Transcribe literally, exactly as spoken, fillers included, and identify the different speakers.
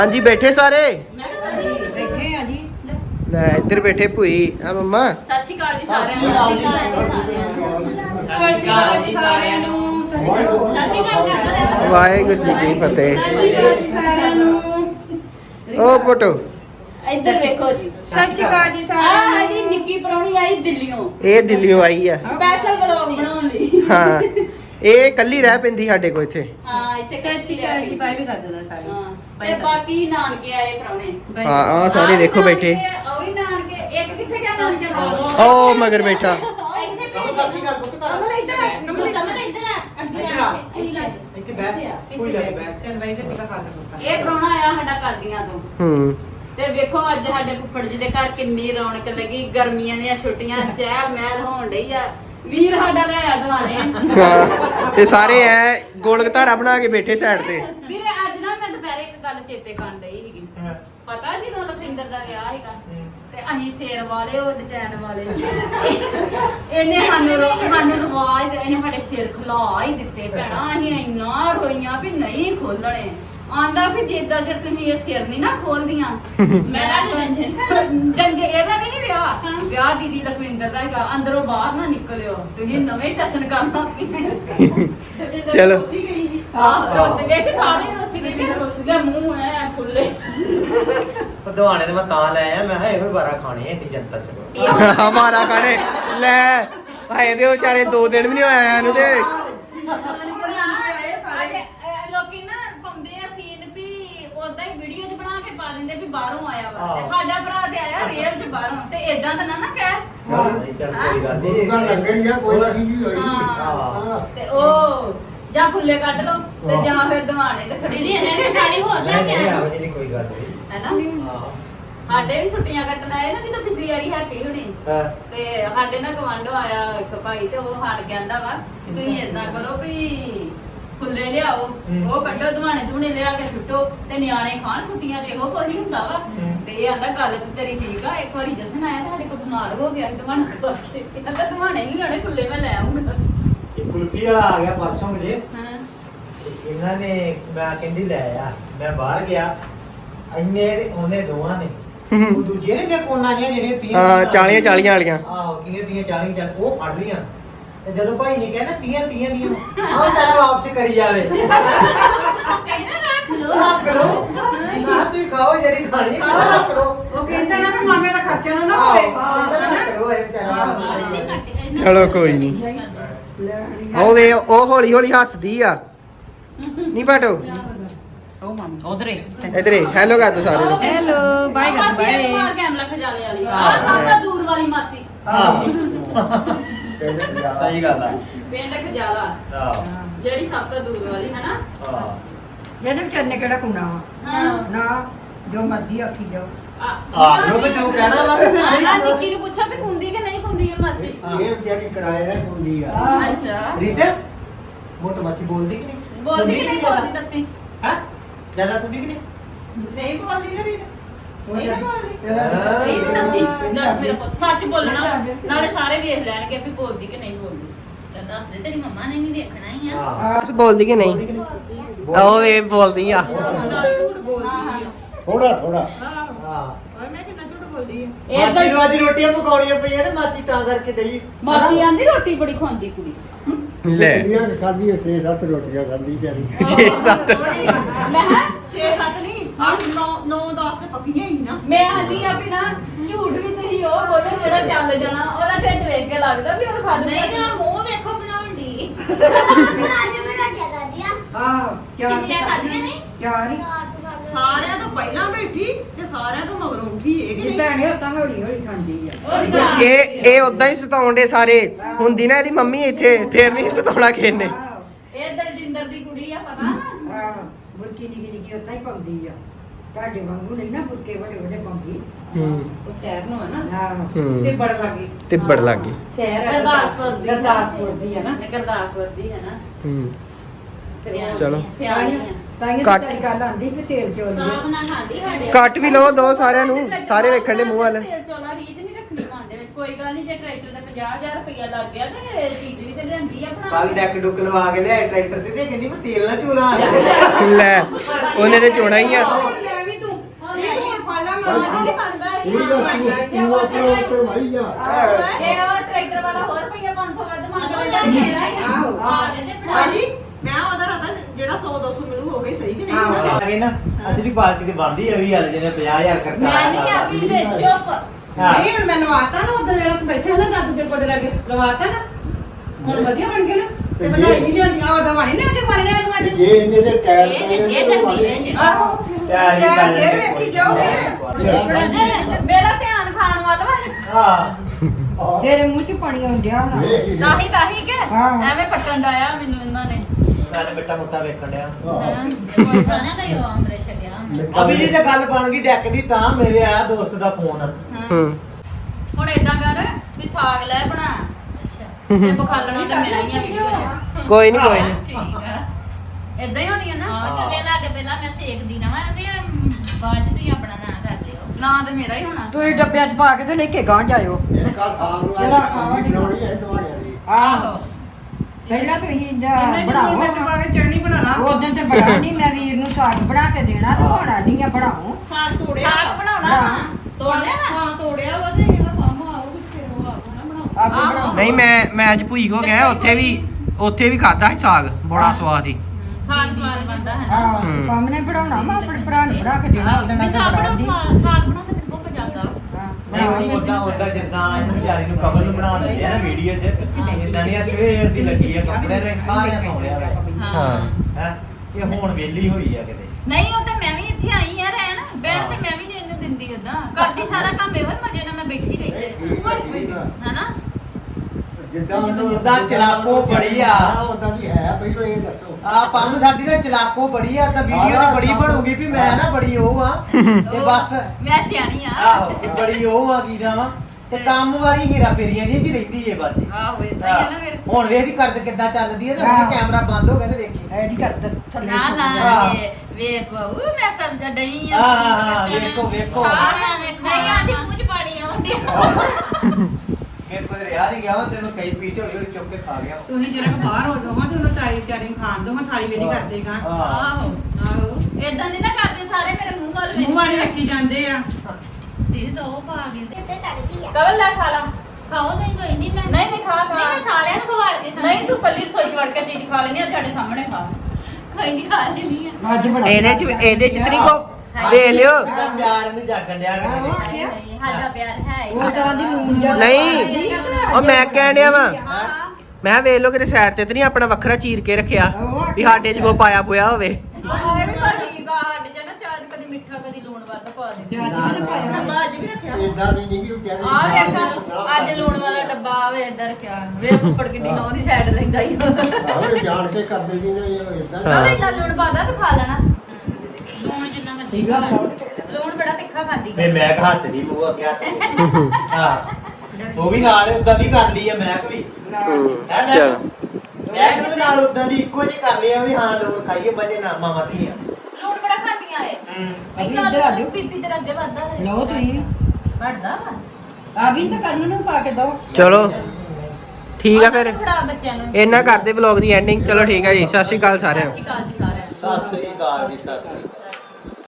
Speaker 1: हाँ जी बैठे सारे
Speaker 2: बैठे हैं जी
Speaker 1: ले इधर बैठे भूई आ मम्मा
Speaker 2: सत श्री अकाल जी साਰਿਆਂ ਨੂੰ
Speaker 1: वाहेगुरु जी की फतेह ओ पुटो
Speaker 2: ਇੱਧਰ ਵੇਖੋ ਜੀ
Speaker 3: ਸਤਿ ਸ਼੍ਰੀ ਅਕਾਲ ਜੀ ਸਾਰਿਆਂ
Speaker 2: ਆਹ
Speaker 3: ਨੂੰ
Speaker 2: ਜੀ ਨਿੱਕੀ ਪ੍ਰਾਹੁਣੀ ਆਈ ਦਿੱਲੀੋਂ
Speaker 1: ਇਹ ਦਿੱਲੀੋਂ ਆਈ ਆ
Speaker 2: ਸਪੈਸ਼ਲ ਵਲੌਗ ਬਣਾਉਣ ਲਈ
Speaker 1: ਹਾਂ ਇਹ ਕੱਲੀ ਰਹਿ ਪੈਂਦੀ ਸਾਡੇ ਕੋਲ ਇੱਥੇ
Speaker 2: ਹਾਂ ਇੱਥੇ
Speaker 3: ਸਤਿ ਸ਼੍ਰੀ ਅਕਾਲ ਜੀ ਬਾਈ ਵੀ ਕਰ ਦੋ ਨਾ ਸਾਰੇ
Speaker 2: ਹਾਂ ਤੇ ਬਾਕੀ ਨਾਨਕੇ ਆਏ ਪ੍ਰਾਹੁਣੇ
Speaker 1: ਹਾਂ ਆ ਸਾਰੇ ਦੇਖੋ ਬੈਠੇ
Speaker 2: ਉਹ ਵੀ ਨਾਨਕੇ ਇੱਕ ਕਿੱਥੇ ਗਿਆ ਨਾਨਕੇ
Speaker 1: ਓ ਮਗਰ ਬੈਠਾ
Speaker 2: ਇੱਥੇ ਕਮਲ ਇੱਧਰ ਆ ਕਮਲ ਕਮਲ ਇੱਧਰ ਆ ਅੱਗੇ ਆ ਇੱਥੇ ਬੈਠ
Speaker 4: ਕੋਈ ਲੱਗ ਬੈ
Speaker 3: ਚੱਲ ਬਾਈ ਗੱਡੀ ਦਾ ਖਾ ਦੇ
Speaker 2: ਇਹ ਪ੍ਰਾਹੁਣਾ ਆਇਆ ਸਾਡਾ ਕਰਦੀਆਂ ਤੋਂ
Speaker 1: ਹੂੰ
Speaker 2: ਤੇ ਵੇਖੋ ਅੱਜ ਸਾਡੇ ਫੁੱਫੜ ਜੀ ਦੇ ਘਰ ਕਿੰਨੀ ਰੌਣਕ ਲੱਗੀ ਗਰਮੀਆਂ ਦੀਆਂ ਛੁੱਟੀਆਂ ਚਹਿਲ ਮਹਿਲ ਹੋਣ ਡਈ ਆ ਵੀਰ ਸਾਡਾ ਲਿਆਇਆ ਦਵਾਣੇ
Speaker 1: ਹਾਂ ਤੇ ਸਾਰੇ ਐ ਗੋਲ ਧਾਰਾ ਬਣਾ ਕੇ ਬੈਠੇ ਸਾਈਡ ਤੇ
Speaker 2: ਵੀਰੇ ਅੱਜ ਨਾ ਮੈਂ ਦੁਪਹਿਰੇ ਇੱਕ ਗੱਲ ਚੇਤੇ ਕਰਨ ਡਈ ਸੀਗੀ ਪਤਾ ਜਦੋਂ ਲਖਿੰਦਰ ਦਾ ਵਿਆਹ ਸੀਗਾ ਤੇ ਅਸੀਂ ਸ਼ੇਰ ਵਾਲੇ ਉਹ ਡਿਜ਼ਾਈਨ ਵਾਲੇ ਇਹਨੇ ਸਾਨੂੰ ਰੋ- ਸਾਨੂੰ ਰਵਾਜ ਦੇ ਇਹਨੇ ਸਾਡੇ ਸਿਰ ਖਲਾ ਹੀ ਦਿੱਤੇ ਭੈਣਾ ਅਸੀਂ ਇੰਨਾ ਰੋਈਆਂ ਵੀ ਨਹੀਂ ਖੋਲਣੇ ਆਂਦਾ ਵੀ ਜਿੱਦਾਂ ਜੇ ਤੁਸੀਂ ਇਹ ਸਿਰ ਨਹੀਂ ਨਾ ਖੋਲਦੀਆਂ ਮੈਂ ਜੰਜਨ ਜੰਜੇ ਇਹਦਾ ਨਹੀਂ ਵਿਆਹ ਵਿਆਹ ਦੀਦੀ ਲਖਵਿੰਦਰ ਦਾ ਹੈਗਾ ਅੰਦਰੋਂ ਬਾਹਰ ਨਾ ਨਿਕਲਿਓ ਤੁਸੀਂ ਨਵੇਂ ਟਸਨ ਕਰਨਾ
Speaker 1: ਚਲੋ
Speaker 2: ਆਹ ਰੁੱਸ ਗਏ ਕਿ ਸਾਰੇ ਰੁੱਸ ਗਏ ਕਿ ਰੁੱਸ ਗਏ ਮੂੰਹ ਐ ਖੁੱਲੇ
Speaker 4: ਪਦਵਾਣੇ ਤੇ ਮੈਂ ਤਾਂ ਲੈ ਆਇਆ ਮੈਂ ਕਿਹਾ ਇਹੋ ਹੀ ਬਾਰਾ ਖਾਣੇ ਇੰਨੀ ਜਨਤਾ ਚ
Speaker 1: ਹਮਾਰਾ ਖਾਣੇ ਲੈ ਭਾਏ ਦੇ ਵਿਚਾਰੇ ਦੋ ਦਿਨ ਵੀ ਨਹੀਂ ਹੋਇਆ ਇਹਨੂੰ ਤੇ
Speaker 2: ਲੋਕੀ ਨਾ ਪਾਉਂਦੇ ਆ ਸੀਨ ਵੀ ਉਦਾਂ ਹੀ ਵੀਡੀਓ 'ਚ ਬਣਾ ਕੇ ਪਾ ਦਿੰਦੇ ਵੀ ਬਾਹਰੋਂ ਆਇਆ ਵਾ ਤੇ ਸਾਡਾ ਭਰਾ ਤੇ ਆਇਆ ਰੀਅਲ 'ਚ ਬਾਹਰੋਂ ਤੇ ਇਦਾਂ ਤਾਂ ਨਾ ਨਾ ਕਹਿ
Speaker 4: ਨਹੀਂ ਚੱਲ ਕੋਈ ਗੱਲ ਨਹੀਂ
Speaker 2: ਹਾਂ ਤੇ ਉਹ ਜਾਂ ਫੁੱਲੇ ਕੱਢ ਲਓ ਤੇ ਜਾਂ ਫਿਰ ਦਿਵਾਣੇ ਤੇ ਖਰੀਦੀ ਇਹਨੇ ਤੇ ਖਾਣੀ ਹੋਰ ਲੈ ਕੇ
Speaker 4: ਨਹੀਂ
Speaker 2: ਆਇਆ
Speaker 4: ਆਵੇ ਨਹੀਂ ਕੋਈ ਗੱਲ ਨਹੀਂ
Speaker 2: ਹੈਨਾ
Speaker 4: ਹਾਂ
Speaker 2: ਸਾਡੇ ਵੀ ਛੁੱਟੀਆਂ ਕੱਟਣ ਆਏ ਨਾ ਜਦੋਂ ਪਿਛਲੀ ਵਾਰੀ ਹੈਪੀ ਹੁਣੀ
Speaker 4: ਹਾਂ
Speaker 2: ਤੇ ਸਾਡੇ ਨਾਲ ਗਵਾਂਢੋ ਆਇਆ ਇੱਕ ਭਾਈ ਤੇ ਉਹ ਹਾਰ ਕਹਿੰਦਾ ਵਾ ਕਿ ਤੁਸੀਂ ਏਦਾਂ ਕਰੋ ਵੀ ਫੁੱਲੇ ਲਿਆਓ ਉਹ ਕੱਢੋ ਦਵਾਣੇ ਦੂਣੇ ਲਿਆ ਕੇ ਸੁੱਟੋ ਤੇ ਨਿਆਣੇ ਖਾਣ ਛੁੱਟੀਆਂ 'ਚ ਇਹੋ ਕੋਈ ਹੁੰਦਾ ਵਾ ਤੇ ਇਹ ਆਂਦਾ ਗੱਲ ਤੇ ਤੇਰੀ ਠੀਕ ਆ ਇੱਕ ਵਾਰੀ ਜਸਨ ਆਇਆ ਸਾਡੇ ਕੋਲ ਬਿਮਾਰ ਹੋ ਗਿਆ ਦਵਾਣਾ ਖਵਾ ਕੇ ਕਹਿੰਦਾ ਦਵਾਣੇ ਨਹੀਂ ਲੈਣੇ ਫੁੱਲੇ ਮੈਂ ਲੈ ਆਉਂਗਾ
Speaker 4: ਇਹ ਕੁਲਫੀ ਵਾਲਾ ਆ ਗਿਆ ਪਰਸੋਂ ਜੇ
Speaker 2: ਹਾਂ
Speaker 4: ਇਹਨਾਂ ਨੇ ਮੈਂ ਕਹਿੰਦੀ ਲੈ ਆ ਮੈਂ ਬਾਹਰ ਗਿਆ ਇੰਨੇ ਉਹਨੇ ਦੋਵਾਂ ਨੇ ਉਹ ਦੂਜੇ ਨੇ ਕਿ ਕੋਨਾ ਜਿਹੀਆਂ ਜਿਹੜੀਆਂ ਤੀਹ
Speaker 1: ਹਾਂ ਚਾਲੀਆਂ ਚਾਲੀਆਂ ਵਾਲੀਆਂ
Speaker 4: ਆਹੋ ਤੀਆਂ ਤੀਆਂ ਚਾਲੀਆਂ ਚਾਲ ਉਹ ਫੜ ਲੀਆਂ ਤੇ ਜਦੋਂ ਭਾਈ ਨੇ ਕਿਹਾ ਨਾ ਤੀਆਂ ਤੀਆਂ ਦੀਆਂ ਆਹ ਚੱਲ ਵਾਪਸ ਕਰੀ ਜਾਵੇ
Speaker 3: ਕਹਿੰਦਾ ਰੱਖ ਲੋ
Speaker 4: ਰੱਖ ਲੋ ਨਾ ਤੁਸੀਂ ਖਾਓ ਜਿਹੜੀ ਖਾਣੀ ਹੈ ਰੱਖ ਲੋ
Speaker 3: ਉਹ ਕਹਿੰਦਾ ਨਾ ਵੀ ਮਾਮੇ ਦਾ ਖਰਚਾ ਨਾ ਨਾ ਹੋਵੇ
Speaker 4: ਰੱਖ ਲੋ ਇਹ ਵਿਚਾਰਾ
Speaker 1: ਚਲੋ ਕੋਈ ਨਹੀਂ ਉਹ ਵੇ ਉਹ ਹੌਲੀ ਹੌਲੀ ਹੱਸਦੀ ਆ ਨਹੀਂ ਪਾਟੋ
Speaker 2: ਉਹ ਮਾਮਾ ਉਧਰੇ
Speaker 1: ਇਧਰੇ ਹੈਲੋ ਕਰ ਦੋ ਸਾਰੇ ਨੂੰ
Speaker 3: ਹੈਲੋ ਬਾਈ ਕਰ
Speaker 2: ਮਾਸੀ
Speaker 3: ਬਾਈ
Speaker 2: ਮਾਰ ਕੈਮਰਾ ਖਜਾਲੇ ਵਾਲੀ ਆ ਸਭ ਤੋਂ ਦੂਰ ਵਾਲੀ ਮਾਸੀ
Speaker 4: ਸਹੀ ਗੱਲ ਆ
Speaker 2: ਪਿੰਡ ਖਜਾਲਾ
Speaker 4: ਆਹ
Speaker 2: ਜਿਹੜੀ ਸਭ ਤੋਂ ਦੂਰ ਵਾਲੀ ਹੈ ਨਾ
Speaker 4: ਆਹ
Speaker 5: ਜਿਹਦੇ ਵਿਚਾਰ ਨੇ ਕਿਹੜਾ ਕੁੰਡਾ ਵਾ
Speaker 2: ਹਾਂ
Speaker 5: ਨਾ ਜੋ ਮਰਜ਼ੀ ਆਖੀ ਜਾਓ
Speaker 4: ਆਹ ਜੋ ਵੀ ਤੂੰ ਕਹਿਣਾ ਵਾ ਤੇ ਨਹੀਂ
Speaker 2: ਆ ਨਿੱਕੀ ਨੂੰ ਪੁੱਛਾ ਵੀ ਕੁੰਦੀ ਕਿ ਨਹੀਂ ਕੁੰਦੀ ਹੈ ਮਾਸੀ
Speaker 4: ਇਹ ਵਿਚਾਰੀ ਕਿਰਾਏ ਦਾ ਹੁੰਦੀ ਆ
Speaker 2: ਅੱਛਾ
Speaker 4: ਰੀਤ ਮੋਟ ਮੱਛੀ ਬੋਲਦੀ ਕਿ ਨਹੀਂ
Speaker 2: ਬੋਲਦੀ ਕਿ ਨਹੀਂ ਬੋਲਦੀ ਦੱਸੀ
Speaker 4: ਹੈ ਜਿਆਦਾ ਕੁੰਦੀ ਕਿ ਨਹੀਂ
Speaker 3: ਨਹੀਂ ਬੋਲਦੀ ਨਾ ਵੀ ਨਹੀਂ ਨਾ ਬੋਲਦੀ
Speaker 2: ਇਹ ਤਾਂ ਦੱਸੀ ਦੱਸ ਮੇਰਾ ਪੁੱਤ ਸੱਚ ਬੋਲਣਾ ਨਾਲੇ ਸਾਰੇ ਵੇਖ ਲੈਣਗੇ ਵੀ ਬੋਲਦੀ ਕਿ ਨਹੀਂ ਬੋਲਦੀ ਚੱਲ ਦੱਸ ਦੇ ਤੇਰੀ ਮੰਮਾ ਨੇ ਵੀ ਦੇਖਣਾ ਹੀ ਆ
Speaker 4: ਹਾਂ
Speaker 1: ਬਸ ਬੋਲਦੀ ਕਿ ਨਹੀਂ ਉਹ ਵੇ ਬੋਲਦੀ ਆ
Speaker 3: ਝੂਠ ਬੋਲਦੀ ਆ
Speaker 4: ਥੋੜਾ ਥੋੜਾ
Speaker 3: ਹਾਂ
Speaker 4: ਹਾਂ
Speaker 3: ਓਏ ਮੈਂ ਕਿੰਨਾ ਝੂਠ ਬੋਲਦੀ ਆ
Speaker 2: ਇਹ
Speaker 4: ਮਾਚੀ ਨੂੰ ਅੱਜ ਰੋਟੀਆਂ ਪਕਾਉਣੀਆਂ ਪਈਆਂ ਤੇ ਮਾਚੀ ਤਾਂ ਕਰਕੇ ਗਈ
Speaker 2: ਮਾਸੀ ਆਂਦੀ ਰੋਟੀ ਬੜੀ ਖਵਾਉਂਦੀ ਕੁੜੀ
Speaker 1: ਲੈ
Speaker 4: ਖਾਦੀ ਛੇ ਸੱਤ ਰੋਟੀਆਂ ਖਾਦੀ ਜਾਰੀ
Speaker 1: ਛੇ ਸੱਤ
Speaker 2: ਮੈਂ ਕਿਹਾ,
Speaker 3: ਛੇ ਸੱਤ ਨਹੀਂ ਅੱਠ ਨੌ ਨੌ ਦਸ ਤੇ ਪੱਕੀਆਂ ਹੀ ਨਾ
Speaker 2: ਮੈਂ ਆਂਦੀ ਆ ਵੀ ਨਾ ਝੂਠ ਵੀ ਤੁਸੀਂ ਉਹ ਬੋਲੋ ਜਿਹੜਾ ਚੱਲ ਜਾਣਾ ਉਹਦਾ ਢਿੱਡ ਵੇਖ ਕੇ ਲੱਗਦਾ ਵੀ ਉਹ ਖਾ
Speaker 3: ਨਹੀਂ ਨਾ ਮੂੰਹ ਵੇਖੋ ਬਣਾਉਣ ਦੀ
Speaker 5: ਆਹ ਚਾਰ
Speaker 3: ਕਿੰਨੀਆਂ ਖਾਧੀਆਂ ਨੇ?
Speaker 5: ਚਾਰ ਹੀ
Speaker 3: ਸਾਰਿਆਂ ਤੋਂ ਪਹਿਲਾਂ ਬੈਠੀ ਤੇ ਸਾਰਿਆਂ ਤੋਂ ਮਗਰੋਂ ਉੱਠੀ ਇਹ ਕਿ
Speaker 5: ਜੇ
Speaker 3: ਨਹੀਂ
Speaker 5: ਭੈਣੇ ਉਹ ਤਾਂ ਹੌਲੀ ਹੌਲੀ ਖਾਂਦੀ ਆ
Speaker 2: ਉਹਦੀ ਜਾਨ
Speaker 1: ਇਹ ਇਹ ਉਦਾਂ ਹੀ ਸਤਾਉਂਦੇ ਸਾਰੇ ਹੁੰਦੀ ਨਾ ਇਹਦੀ ਮੰਮੀ ਇੱਥੇ ਫੇਰ ਨਹੀਂ ਸਤਾਉਣਾ ਕਿਸੇ ਨੇ
Speaker 5: ਆਹ
Speaker 2: ਇਹ ਦਲਜਿੰਦਰ ਦੀ ਕੁੜੀ ਆ ਪਤਾ ਨਾ
Speaker 5: ਆਹ ਬੁਰਕੀ ਨਿੱਕੀ ਨਿੱਕੀ ਉਦਾਂ ਹੀ ਪਾਉਂਦੀ ਆ ਤੁਹਾਡੇ ਵਾਂਗੂ ਨਹੀਂ ਨਾ ਬੁਰਕੇ ਵੱਡੇ ਵੱਡੇ ਪਾਉਂਦੀ
Speaker 1: ਹੂੰ
Speaker 3: ਉਹ ਸ਼ਹਿਰ ਨੂੰ ਹੈ ਨਾ
Speaker 5: ਆਹ
Speaker 1: ਹੂੰ
Speaker 3: ਤੇ ਬੜ ਲੱਗੀ
Speaker 1: ਤੇ ਬੜ ਲੱਗ ਗਈ
Speaker 3: ਸ਼ਹਿਰ ਹੈ
Speaker 2: ਗੁਰਦਾਸਪੁਰ ਦੀ
Speaker 3: ਗੁਰਦਾਸਪੁਰ ਦੀ ਹੈ ਨਾ
Speaker 2: ਮੈਂ ਗੁਰਦਾਸਪੁਰ ਦੀ ਹੈ ਨਾ
Speaker 1: ਹੂੰ
Speaker 2: ਸਿਆਣੀ
Speaker 1: ਚਲੋ।
Speaker 2: ਆ, ਸਿਆਣੀ ਆ
Speaker 5: ਤਾਂ ਇਹ
Speaker 1: ਕੱਟ।
Speaker 5: ਤੇਰੀ ਗੱਲ ਆਂਦੀ ਵੀ ਤੇਲ ਚੋਲ
Speaker 2: ਸਾਗ ਨਾ ਖਾਂਦੀ ਸਾਡੇ
Speaker 1: ਕੱਟ ਵੀ ਲਓ ਦੋ ਸਾਰਿਆਂ ਨੂੰ ਸਾਰੇ ਵੇਖਣ ਦੇ ਮੂੰਹ ਵੱਲ
Speaker 2: ਤੇਲ ਚੋਲਾ ਰੀਝ ਨਹੀਂ ਰੱਖਣੀ ਮਾਂ ਦੇ ਵਿੱਚ ਕੋਈ ਗੱਲ ਨਹੀਂ ਜੇ ਟਰੈਕਟਰ ਤੇ ਪੰਜਾਹ ਹਜ਼ਾਰ ਰੁਪਇਆ ਲੱਗ ਗਿਆ ਤੇ ਚੀਜ਼ ਵੀ ਤੇ ਲਿਆਂਦੀ ਆ ਬਣਾ
Speaker 4: ਕੱਲ ਡੈਕ ਡੁੱਕ ਲਵਾ ਕੇ ਲਿਆਏ ਟਰੈਕਟਰ ਤੇ ਤੇ ਕਹਿੰਦੀ ਮੈਂ ਤੇਲ ਨਾ ਚੂਲਾ
Speaker 1: ਲੈ ਉਹਨੇ ਤੇ ਚੋਣਾ ਹੀ ਆ
Speaker 3: ਲੈ ਵੀ ਤੂੰ ਇਹ ਤੂੰ ਹੁਣ ਫੜ ਲਾ
Speaker 2: ਹਾਂ
Speaker 3: ਮਾਂ
Speaker 2: ਜੀ ਬਣਦਾ
Speaker 6: ਇਹ ਦੱਸ ਤੂੰ ਤੂੰ ਆਪਣੇ ਉੱਤੇ ਮਾਰੀ ਜਾ
Speaker 2: ਜੇ ਉਹ ਟਰੈਕਟਰ ਵਾਲਾ ਹੋਰ ਰੁਪਇਆ ਪੰਜ ਸੌ ਵੱਧ ਮੰਗਦਾ ਲੈਣਾ
Speaker 3: ਆਹੋ
Speaker 2: ਆ ਲੈਂਦੇ ਫੜਾ
Speaker 3: ਹਾਂਜੀ ਮੈਂ ਉਹਦਾ ਰਦਾ ਜਿਹੜਾ ਸੌ ਦੋ ਸੌ ਮਿਲੂ ਹੋ ਗਈ ਸਹੀ ਕਿ ਨਹੀਂ
Speaker 4: ਆ ਗਏ ਨਾ ਅਸਲੀ ਪਾਰਟੀ ਤੇ ਬਣਦੀ ਆ ਵੀ ਹਲ ਜਿਹਨੇ ਪੰਜਾਹ ਹਜ਼ਾਰ ਖਰਚਾ
Speaker 2: ਮੈਂ ਨਹੀਂ ਆ ਵੀ ਦੇ ਚੁੱਪ
Speaker 4: ਹਾਂ।
Speaker 3: ਨਹੀਂ ਹੁਣ ਮੈਂ ਲਵਾਤਾ ਨਾ ਉਧਰ ਵੇਲਾ ਤੂੰ ਬੈਠਾ ਨਾ ਦਾਦੂ ਦੇ ਕੋਲ ਲੱਗੇ ਲਵਾਤਾ ਨਾ ਹੁਣ ਵਧੀਆ ਬਣ ਗਿਆ ਨਾ ਤੇ ਬਣਾਈ ਨਹੀਂ ਲਿਆਂਦੀ ਆ ਉਹਦਾ ਵਾਣੀ ਲੈ ਕੇ ਪਾਣੀ ਲੈ ਲੂ ਅੱਜ
Speaker 6: ਜੇ ਇਹਨੇ ਦੇ ਟਾਇਰ
Speaker 2: ਇਹ
Speaker 6: ਪਏ
Speaker 2: ਇਹ
Speaker 6: ਨੇ
Speaker 2: ਗਰਮੀ ਵਿੱਚ
Speaker 3: ਆਹੋ
Speaker 4: ਟਾਇਰ ਵੀ
Speaker 3: ਟਾਇਰ
Speaker 4: ਪੈ
Speaker 3: ਫੇਰ ਵੇਖੀ ਜਾਓਗੇ
Speaker 2: ਮੇਰਾ ਧਿਆਨ ਖਾਣ ਵੱਲ ਵਾ
Speaker 4: ਹਾਂ
Speaker 5: ਤੇਰੇ ਮੂੰਹ 'ਚ ਪਾਣੀ ਆਉਂਦਿਆ ਹੋਣਾ
Speaker 2: ਤਾਹੀ ਤਾਹੀ ਕਿ
Speaker 5: ਹਾਂ।
Speaker 2: ਐਵੇਂ ਪੱਟਣ ਡਾਇਆ ਮੈਨੂੰ ਇਹਨਾਂ ਨੇ
Speaker 4: ਮੈਂ ਬੱਟਾ ਮੁੱਟਾ ਵੇਖਣ ਡਿਆ
Speaker 2: ਹਾਂ ਕੋਈ ਗੱਲ ਨਾ ਕਰਿਓ ਅਮਰੇ ਛਕਿਆ
Speaker 4: ਅਭੀ ਜੀ ਤੇ ਗੱਲ ਬਣ ਗਈ ਡੈਕ ਦੀ ਤਾਂ ਮੇਰੇ ਆਇਆ ਦੋਸਤ ਦਾ ਫੋਨ
Speaker 2: ਹਾਂ
Speaker 1: ਹੂੰ
Speaker 2: ਹੁਣ ਏਦਾਂ ਕਰ ਵੀ ਸਾਗ ਲੈ ਬਣਾ ਅੱਛਾ ਤੇ ਬਖਾਲਣਾ ਤੇ ਮੇਰਾ ਹੀ ਆ ਵੀਡੀਓ ਚ
Speaker 1: ਕੋਈ ਨਹੀਂ ਕੋਈ ਨਹੀਂ
Speaker 2: ਠੀਕ ਆ ਏਦਾਂ ਹੀ ਹੋਣੀ ਆ ਨਾ
Speaker 4: ਹਾਂ।
Speaker 2: ਚੱਲੇ ਲਾ ਕੇ ਪਹਿਲਾਂ ਮੈਂ ਸੇਕਦੀ ਨਾ ਵਾ ਤੇ ਬਾਅਦ ਚ ਤੁਸੀਂ ਆਪਣਾ ਨਾਂ ਕਰ ਲਿਓ ਨਾਂ ਤੇ ਮੇਰਾ ਹੀ ਹੋਣਾ
Speaker 5: ਤੁਸੀਂ ਡੱਬਿਆਂ 'ਚ ਪਾ ਕੇ ਤੇ ਲੈ ਕੇ ਗਾਂ ਜਾਇਓ
Speaker 6: ਇਹ ਕੱਲ ਸਾਲ ਨੂੰ
Speaker 5: ਜਿਹੜਾ
Speaker 6: ਆਇਆ
Speaker 5: ਖਾਵਾਂਗੇ।
Speaker 6: ਬਣਾਉਣੀ ਹੈ ਤੁਹਾਡੇ ਦੀ
Speaker 5: ਆਹੋ ਪਹਿਲਾਂ ਤੁਸੀਂ
Speaker 3: ਇਹਨਾਂ
Speaker 5: ਬਣਾਓ
Speaker 3: ਵਿੱਚ ਪਾ ਕੇ ਚਟਣੀ ਬਣਾ ਲਾ
Speaker 5: ਉਹ ਦਿਨ ਤੇ ਬਣਾ ਨਹੀਂ ਮੈਂ ਵੀਰ ਨੂੰ ਸਾਗ ਬਣਾ ਕੇ ਦੇਣਾ ਤੇ ਹੋਣਾ ਨਹੀਂ ਆ ਬਣਾਓ
Speaker 3: ਸਾਗ ਤੋੜਿਆ
Speaker 2: ਸਾਗ ਬਣਾਉਣਾ ਵਾ ਤੋੜਨਾ ਵਾ
Speaker 3: ਹਾਂ ਤੋੜਿਆ ਵਾ ਤੇ ਇਹ ਮਾਮਾ ਆਉਗੀ ਫਿਰ ਉਹ ਆਪਣਾ ਬਣਾਓ
Speaker 5: ਆਪੇ
Speaker 2: ਆਹੋ।
Speaker 5: ਬਣਾਓ
Speaker 1: ਨਹੀਂ ਮੈਂ ਮੈਂ ਅੱਜ ਭੂਈ ਕੋ ਗਿਆ ਉੱਥੇ ਵੀ ਉੱਥੇ ਵੀ ਖਾਦਾ ਸੀ ਸਾਗ ਬੜਾ ਸਵਾਦ ਸੀ
Speaker 2: ਸਾਗ ਸਵਾਦ ਬਣਦਾ ਹੈ ਨਾ
Speaker 5: ਆਹ
Speaker 1: ਹੂੰ।
Speaker 5: ਕੰਮ ਨੇ ਬਣਾਉਣਾ ਮੈਂ ਆਪਣੇ ਭਰਾ ਨੂੰ ਬਣਾ ਕੇ ਦੇਣਾ ਉਹਦੇ
Speaker 2: ਮੈਂ
Speaker 5: ਨਾਲ
Speaker 2: ਤਾਂ ਆਪਣਾ
Speaker 5: ਬਣਾਉਂਦੀ
Speaker 2: ਸਾਗ ਸਾਗ ਬਣਾ ਕੇ ਮੈਨੂੰ ਬਹੁਤ ਜਾਂਦਾ
Speaker 4: ਨਹੀਂ ਉਹ ਉਦਾਂ ਉਦਾਂ ਜਿੱਦਾਂ ਇਹਨੂੰ ਵਿਚਾਰੀ ਨੂੰ ਕਵਰ ਨੂੰ ਬਣਾ ਦਿੰਦੇ ਆ ਨਾ ਵੀਡੀਓ 'ਚ ਇਦਾਂ ਨਹੀਂ ਆ ਸਵੇਰ ਦੀ ਲੱਗੀ ਆ ਕੱਪੜੇ ਨੇ ਸਾਰਿਆਂ ਸੌਂ ਲਿਆ
Speaker 1: ਹਾਂ
Speaker 4: ਹੈ ਇਹ ਹੁਣ ਵਿਹਲੀ ਹੋਈ ਆ ਕਿਤੇ
Speaker 2: ਨਹੀਂ ਉਹ ਤੇ ਮੈਂ ਵੀ ਇੱਥੇ ਆਈ ਆ ਰਹਿਣ ਬੈਠ ਤੇ ਮੈਂ ਵੀ ਨਹੀਂ ਇਹਨੂੰ ਦਿੰਦੀ ਉਦਾਂ ਕਰਦੀ ਸਾਰਾ ਕੰਮ ਇਹੋ ਮਜੇ ਨਾਲ ਮੈਂ ਬੈਠੀ ਰਹੀ ਹਨਾ
Speaker 6: ਜਿੱਦਾਂ ਉਹਨੂੰ
Speaker 4: ਉਹਦਾ ਚਲਾਕੋ ਬੜੀ ਆ।
Speaker 6: ਉਹਦਾ ਦੀ ਹੈ ਪਹਿਲਾਂ ਇਹ ਦੱਸੋ
Speaker 4: ਆ ਪੰਮ ਸਾਡੀ ਦਾ ਚਲਾਕੋ ਬੜੀ ਆ ਤਾਂ ਵੀਡੀਓ 'ਚ ਬੜੀ ਬਣੂਗੀ ਵੀ ਮੈਂ ਨਾ ਬੜੀ ਉਹ ਆ ਤੇ ਬਸ
Speaker 2: ਮੈਂ ਸਿਆਣੀ ਆ
Speaker 4: ਆਹੋ ਬੜੀ ਉਹ ਆ ਕੀ ਜਾਵਾਂ ਤੇ ਕੰਮ ਵਾਲੀ ਹੀਰਾ ਫੇਰੀਆਂ ਦੀ ਜੀ ਰਹਿੰਦੀ ਏ ਬਸ
Speaker 2: ਆਹੋ ਏਦਾਂ ਹੀ ਆ ਨਾ ਫਿਰ
Speaker 4: ਹੁਣ ਵੇਖ ਦੀ ਕਰਦ ਕਿੱਦਾਂ ਚੱਲਦੀ ਏ ਤੇ
Speaker 5: ਹਾਂ।
Speaker 4: ਹੁਣ ਕੈਮਰਾ ਬੰਦ ਹੋ ਗਿਆ ਤੇ ਵੇਖੀ
Speaker 5: ਐਡੀ ਕਰ ਥੱਲੇ
Speaker 2: ਨਾ ਨਾ
Speaker 4: ਹਾਂ।
Speaker 2: ਇਹ ਵੇਖ ਬਾਊ ਮੈਂ ਸਮਝ ਡਈ
Speaker 4: ਹਾਂ,
Speaker 2: ਆ
Speaker 4: ਹਾਂ, ਹਾਂ, ਵੇਖੋ, ਵੇਖੋ।
Speaker 2: ਸਾਰਿਆਂ ਨੇ ਨਹੀਂ ਆਂਦੀ ਮੂੰਹ ਚ ਪਾਣੀ ਆਉਂਦੀ
Speaker 4: ਮੇਰੇ ਕੋਲ ਰਿਆ ਨਹੀਂ ਗਿਆ ਵਾ ਤੈਨੂੰ ਕਈ ਪੀਸ ਹੌਲੀ ਹੌਲੀ ਚੁੱਕ ਕੇ ਖਾ ਗਿਆ
Speaker 3: ਤੁਸੀਂ ਜਰਾ ਬਾਹਰ ਹੋ ਜਾਓ ਹਾਂ ਤੇ ਉਹਨੂੰ ਤਾਰੀ ਵਿਚਾਰੀ ਨੂੰ ਖਾਣ ਦਿਓ ਮੈਂ ਥਾਲੀ ਵੇਲੀ ਕਰ ਦੇਗਾ
Speaker 4: ਹਾਂ
Speaker 2: ਆਹੋ
Speaker 3: ਆਹੋ
Speaker 2: ਏਦਾਂ ਨਹੀਂ ਨਾ ਕਰਦੇ ਸਾਰੇ ਮੇਰੇ ਮੂੰਹ ਵੱਲ
Speaker 3: ਮੂੰਹ ਵਾਲੀ ਰੱਖੀ ਜਾਂਦੇ ਆ
Speaker 2: ਦੀਦੀ ਤਾਂ ਉਹ ਪਾ ਗਏ ਤੇ ਕਵਲ ਲੈ ਖਾ ਲਾ ਖਾਓ ਨਹੀਂ ਕੋਈ ਨਹੀਂ ਮੈਂ ਨਹੀਂ ਨਹੀਂ ਖਾ ਖਾ ਨਹੀਂ ਮੈਂ ਸਾਰਿਆਂ ਨੂੰ ਖਵਾਲ ਕੇ ਨਹੀਂ ਤੂੰ ਕੱਲੀ ਸੋਚ ਵੜ ਕੇ ਚੀਜ਼ ਖਾ ਲੈਣੀ ਆ ਸਾਡੇ ਸਾਹਮਣੇ ਖਾ ਕੋਈ ਨਹੀਂ ਖਾ ਲੈਣੀ ਆ
Speaker 5: ਅੱਜ ਬਣਾ
Speaker 1: ਇਹਦੇ ਚ ਇਹਦੇ ਚ ਤਰੀ ਕੋ ਵੇਖ ਲਿਓ
Speaker 4: ਉਹਦਾ ਪਿਆਰ ਇਹਨੂੰ ਜਾਗਣ ਡਿਆ
Speaker 5: ਆਹੋ।
Speaker 4: ਕਰ
Speaker 2: ਨਹੀਂ, ਨਹੀਂ, ਸਾਡਾ ਪਿਆਰ ਹੈ ਹੀ।
Speaker 5: ਉਹ ਤਾਂ ਦੀ ਲੂਣ ਜਿਹਾ
Speaker 1: ਨਹੀਂ ਉਹ ਮੈਂ ਕਹਿਣ ਡਿਆ ਵਾ
Speaker 2: ਹਾਂ, ਹਾਂ।
Speaker 1: ਮੈਂ ਵੇਖ ਲਓ ਕਿਤੇ ਸਾਈਡ ਤੇ ਤੇ ਨਹੀਂ ਆਪਣਾ ਵੱਖਰਾ ਚੀਰ ਕੇ ਰੱਖਿਆ ਵੀ ਸਾਡੇ ਚ ਕੋ ਪਾਇਆ ਪੁਆ ਹੋਵੇ
Speaker 2: ਆਹ ਇਹ ਵੀ ਤਾਂ ਠੀਕ ਆ ਸਾਡੇ ਚ ਨਾ ਚਾਹ 'ਚ ਕਦੀ ਮਿੱਠਾ ਕਦੀ ਲੂਣ ਵੱਧ ਪਾ ਦਿੰਦੇ
Speaker 5: ਤੇ ਅੱਜ ਵੀ ਤਾਂ ਪਾਇਆ
Speaker 3: ਡੱਬਾ ਅੱਜ ਵੀ ਰੱਖਿਆ
Speaker 6: ਇਦਾਂ ਦੀ ਨਹੀਂ ਕਿ ਵਿਚਾਰੀ
Speaker 2: ਆ ਵੇਖ ਅੱਜ ਲੂਣ ਵਾਲਾ ਡੱਬਾ ਆਵੇ ਇੱਧਰ ਰੱਖਿਆ ਵੇ ਉੱਪਰ ਕਿੰਨੀ ਨੌ ਦੀ ਸਾਈਡ ਲੈਂਦਾ ਹੀ
Speaker 6: ਆਹੋ ਜਾਣ ਕੇ ਕਰਦੇ ਨਹੀਂ ਨੇ ਇਹ ਇਦਾਂ
Speaker 1: ਹਾਂ।
Speaker 2: ਉਹਦੇ ਨਾਲ ਲੂਣ ਪਾਦਾ ਤੇ ਖਾ ਲੈਣਾ ਲੂਣ ਜਿੰਨਾ ਮਰਜ਼ੀ ਖਾ ਲੈ ਲੂਣ ਬੜਾ ਤਿੱਖਾ ਖਾਂਦੀ
Speaker 4: ਤੇ ਮੈਂ ਕਿਹਾ ਹੱਸਦੀ ਮੂੰਹ ਅੱਗੇ ਹੱਥ ਕੇ। ਹਾਂ ਉਹ ਵੀ ਨਾਲ ਉਦਾਂ ਦੀ ਕਰ ਲਈ ਆ ਮੈਂ ਵੀ ਹੈ ਮੈਂ
Speaker 1: ਚਲੋ
Speaker 4: ਮੈਂ ਵੀ ਨਾਲ ਉਦਾਂ ਦੀ ਇੱਕੋ ਜਿਹੀ ਕਰ ਲਈ ਆ ਵੀ ਹਾਂ ਲੋਕ ਖਾਈਏ ਮਜੇ ਨਾਲ ਮਾਮਾ ਧੀਆਂ
Speaker 2: ਲੂਣ ਬੜਾ ਖਾਂਦੀਆਂ ਏ
Speaker 5: ਅਭੀ ਇੱਧਰ ਆ ਜਾਓ।
Speaker 2: ਬੀਬੀ ਤੇਰਾ ਅੱਗੇ ਵੱਧਦਾ ਹੈ
Speaker 5: ਲਓ ਤੁਸੀਂ
Speaker 2: ਵੱਧਦਾ ਵਾ
Speaker 5: ਆ ਵੀ ਤਾਂ ਕਰਨ ਨੂੰ ਪਾ ਕੇ ਦੋ
Speaker 1: ਚਲੋ ਠੀਕ ਆ ਫਿਰ
Speaker 2: ਫੜਾ ਬੱਚਿਆਂ ਨੂੰ
Speaker 1: ਇਹਨਾਂ ਕਰਦੇ ਵਲੌਗ ਦੀ ਐਂਡਿੰਗ ਚਲੋ ਠੀਕ ਆ ਜੀ ਸਤਿ ਸ਼੍ਰੀ ਅਕਾਲ ਸਾਰਿਆਂ ਨੂੰ
Speaker 2: ਸਤਿ ਸ਼੍ਰੀ ਅਕਾਲ ਜੀ ਸਾਰਿਆਂ ਨੂੰ
Speaker 4: ਸਤਿ ਸ੍ਰੀ ਅਕਾਲ ਜੀ ਸਤਿ ਸ੍ਰੀ ਅਕਾਲ